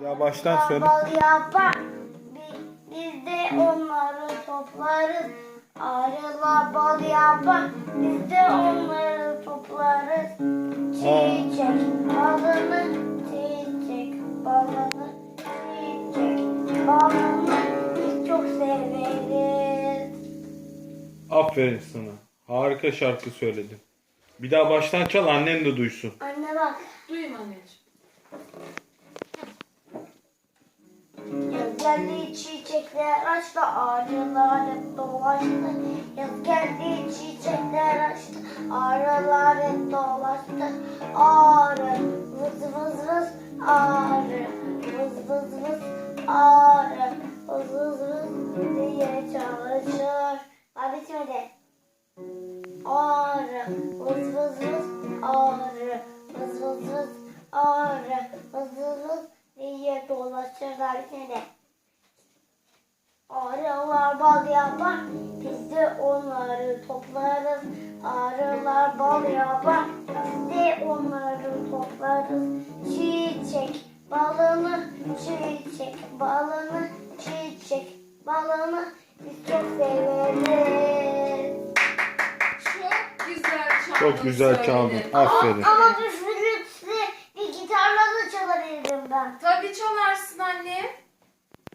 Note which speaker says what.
Speaker 1: Ya baştan söyle.
Speaker 2: Bal yapar. Biz de onları toplarız. Arılar bal yapar. Biz de onları toplarız. Çiçek balını, çiçek balını, çiçek balını biz çok severiz.
Speaker 1: Aferin sana. Harika şarkı söyledin. Bir daha baştan çal, annen de duysun.
Speaker 2: Anne bak.
Speaker 3: Duyayım anneciğim.
Speaker 2: Yaz geldi çiçekler açtı, arılar hep dolaştı. Yaz geldi çiçekler açtı, arılar hep dolaştı. Arı vız vız vız, arı vız vız vız, arı vız vız vız diye çalışır. Abi bitmedi. Arı vız vız vız, arı vız vız vız, arı vız vız vız diye dolaşırlar seni. Arılar bal yapar, biz de onları toplarız. Arılar bal yapar, biz de onları toplarız. Çiçek balını, çiçek balını, çiçek balını biz çok severiz.
Speaker 3: Çok güzel çaldın.
Speaker 1: Çok güzel çaldın.
Speaker 3: söyledin.
Speaker 1: Aferin.
Speaker 2: Ama bir flütle, bir gitarla da çalabilirim ben.
Speaker 3: Tabii çalarsın anne.